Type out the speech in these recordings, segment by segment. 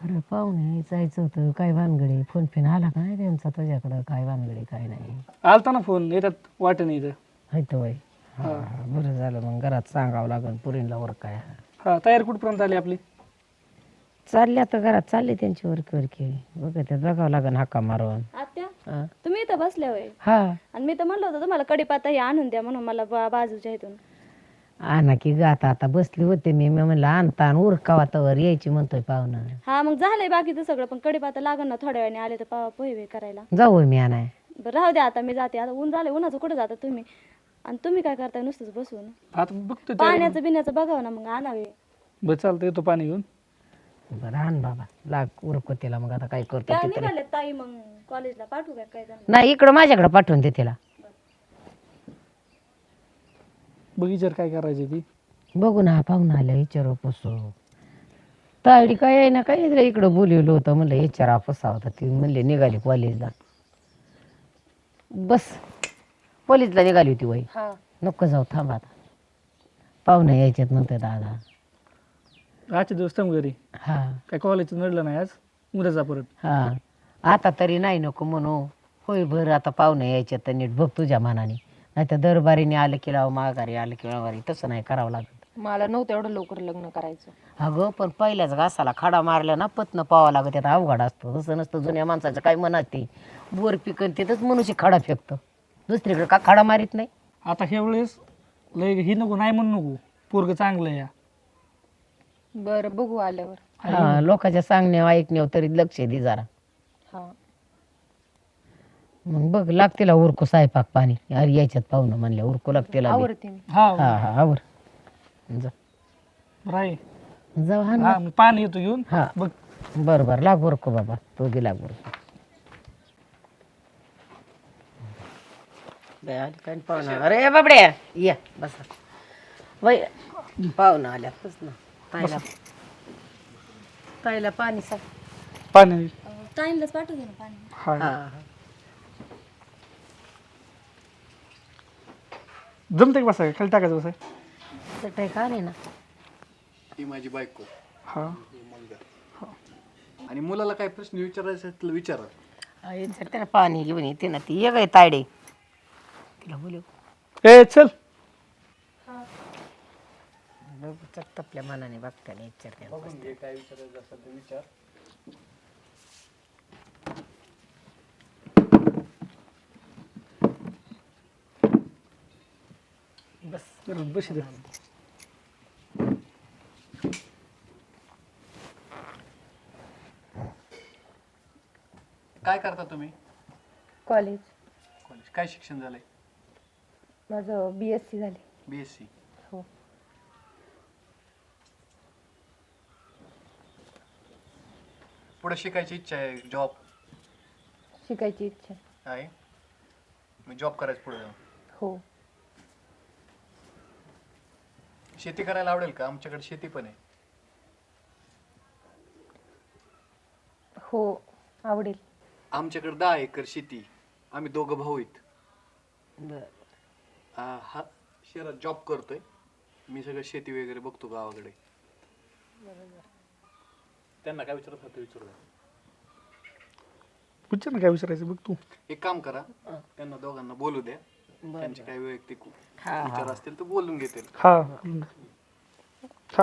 अरे पाहुणे जायचं होतं, काय भानगडी फोन फिन आला का नाही त्यांचा तुझ्याकडं? काय भानगडी काय नाही. आलता ना फोन, येतात वाटेने इथं. हाय तर बाई. हा बरं झालं, मग घरात सांगावं लागेल पुरीला वर काय. हा, तयारी कुठपर्यंत आली आपली? चालले आता घरात, चालले त्यांची वरकी बघ, त्यात बघावं लागेल हाका मारून. आत्या हा. तुम्ही इथं बसले होय? हा आणि मी तर म्हणलं होतं तुम्हाला कढीपत्ता हे आणून द्या म्हणून, मला बाजूच्या इथून. आणा की ग, आता बसली होते मी म्हणलं आणता आणि उरकावा तवर यायची म्हणतोय पाहुणा. हा मग झालंय बाकीचं सगळं, पण कढीपत्ता लागण ना थोड्या वेळाने आले तर पोहे करायला. जाऊ मी आणाय. बरं राहू द्या, आता मी जाते. आता ऊन झालंय, उन्हाचं कुठं जाता तुम्ही? आणि तुम्ही काय करताय नुसतंच बसून? आता बघतो पाण्याचं बिण्याचं बघावं ना, मग आणावे. बरं चालतं, येतो पाणी घेऊन. बरं आण बाबा, लाग उरको तिला. मग आता काय करतो त्या ते तरी. निघाले ताई, मग कॉलेजला पाठवू काय जण? नाही, इकडं माझ्याकडे पाठवून दे तिला. बगीचार काय करायची ती? बघू ना, पाहुणा आल्या विचारू पुसू. तायडी काय आहे ना, काय इकडं बोलवलं होतं, म्हणलं विचारा पुसा होता. ती म्हणले निघाली कॉलेजला. बस कॉलेजला निघाली होती वय. हा नको जाऊ, थांब आता, पाहुणे यायच्यात म्हणते दादा. आजचे दिवस थांब घरी. हा काय कॉलेजचं नडलं नाही आज, उद्या जा परत. हा, आता तरी नाही नको म्हणू. होय बरं, आता पाहुणे यायच्यात तर नीट बघ तुझ्या मनाने. नाही तर दरबारीने आलं की लाव, माघारी आलं की माघारी, तसं नाही करावं लागत. मला नव्हतं एवढं लवकर लग्न करायचं. अगं पण पहिल्याच घासाला खडा मारल्या ना पत्न पावा लागत, त्यात अवघड असतो. तसं नसतं जुन्या माणसाचं काय म्हणत ते बोर पिकन तिथंच मनुष्य खडा फेकतो, दुसरीकडे का खडा मारीत नाही. आता ह्या वेळेस लय ही नको, नाही म्हणू नको, पोरग चांगलं या. बरं बघू आल्यावर. हा, लोकांच्या सांगण्यावर ऐकण्यावर तरी लक्ष दे जरा. हा मग बघ, लागतेला उरकू स्वयंपाक पाणी. अरे यायच्यात पाहुणं म्हणल्या उरकू लागतेला बी. आवडते मी. हा हा हा आवर जा, राय. जाऊ. हा हा, मी पाणी येतो घेऊन. हा बघ बरं बरं, लाग उरकू बाबा, तो गे लाग उरकू. काय पाहुणा, अरे बाबड्या या बसा. वय पाहुणा आल्या बस ना. ताईला ताईला पाणी सा. पाणी. ताईंलाच पाठवू दे ना पाणी. हा, हा जमते का बसाय, खाली टाकायचं बसाय? चटई का नाही ना. ही माझी बायको हा. आणि मुलाला काय प्रश्न विचारायचा असेल तर विचारा. त्याला पाणी घेऊन येते ना ती. ये काय तायडे, तिला बोलू. ए चल. चक्क आपल्या मनाने बघताना विचारते. काय विचारायचं असेल तर विचार. बस बस इथं. काय करता तुम्ही? कॉलेज. कॉलेज काय शिक्षण झालंय? माझं BSc झाली. BSc. हो. पुढे शिकायची इच्छा आहे, जॉब शिकायची इच्छा. आहे? मी जॉब करायचं पुढे जाऊन. हो. शेती करायला आवडेल का? आमच्याकडे शेती पण आहे. हो आवडेल. आमच्याकडे 10 एकर शेती. आम्ही दोघं भाऊ आहेत. बर. हा शहरात जॉब करतोय. मी सगळं शेती वगैरे बघतो गावाकडे. त्यांना काय विचारत होतं विचारू. विचार ना काय विचारायचं बघ तू. एक काम करा, त्यांना दोघांना बोलू द्या. त्यांचे काही वैयक्तिक हा विचार असतील तर बोलून घेतील. हा हा.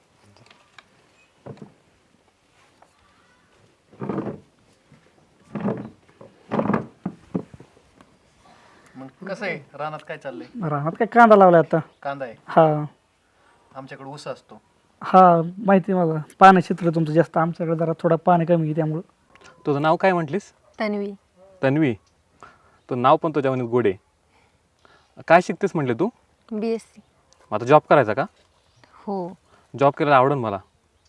मग कसं आहे, रानात काय चाललंय? रानात काय कांदा लावलाय आता. कांदा आहे. हा आमच्याकडे ऊस असतो. हा माहिती आहे मला. पाणी क्षेत्र तुमचं जास्त, आमच्याकडे जरा थोडं पाणी कमी आहे त्यामुळं. तुझं नाव काय म्हटलीस? तन्वी. तन्वी. तुझं नाव पण तुझ्या म्हणत गोडे. काय शिकतेस म्हटले तू? BSc. मग आता जॉब करायचा का? हो. जॉब करायला आवडेल मला.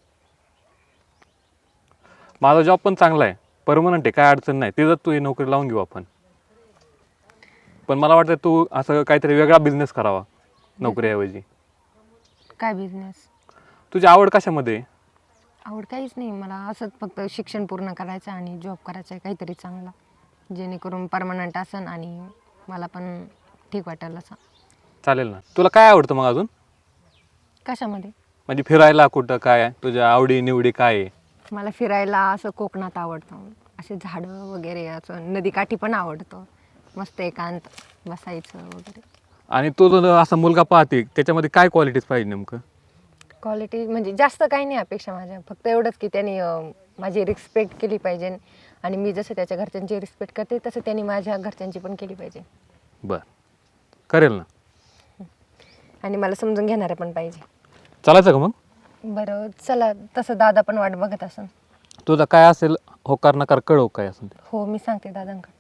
माझा जॉब पण चांगला आहे, परमनंट आहे, काय अडचण नाही. तिथं तू ही नोकरी लावून घेऊ आपण. पण मला वाटतं तू असं काहीतरी वेगळा बिझनेस करावा नोकरीऐवजी. काय बिझनेस? तुझी आवड कशामध्ये आहे? आवड काहीच नाही मला, असंच फक्त शिक्षण पूर्ण करायचं आणि जॉब करायचा आहे काहीतरी चांगला, जेणेकरून परमनंट असन आणि मला पण ठीक वाटेल असं. चालेल ना. तुला काय आवडतं मग अजून? कशामध्ये? म्हणजे फिरायला कुठं, काय तुझ्या आवडी निवडी काय आहे? मला फिरायला असं कोकणात आवडतं, असे झाडं वगैरे, असं नदीकाठी पण आवडतं, मस्त एकांत बसायचं वगैरे. आणि तो जो असा मुलगा पाहते त्याच्यामध्ये काय क्वालिटीज पाहिजे नेमकं? क्वालिटी म्हणजे जास्त काही नाही अपेक्षा माझ्या, फक्त एवढंच की त्यांनी माझी रिस्पेक्ट केली पाहिजे आणि मी जसं त्याच्या घरच्यांची रिस्पेक्ट करते तसं त्यांनी माझ्या घरच्यांची पण केली पाहिजे. बरं, करेल ना. आणि मला समजून घेणारं पण पाहिजे. चालायचं का मग? बरं चला, तसं दादा पण वाट बघत असन. तुझा काय असेल होकार नकार कळव काय असेल ते. हो मी सांगते दादांकडे.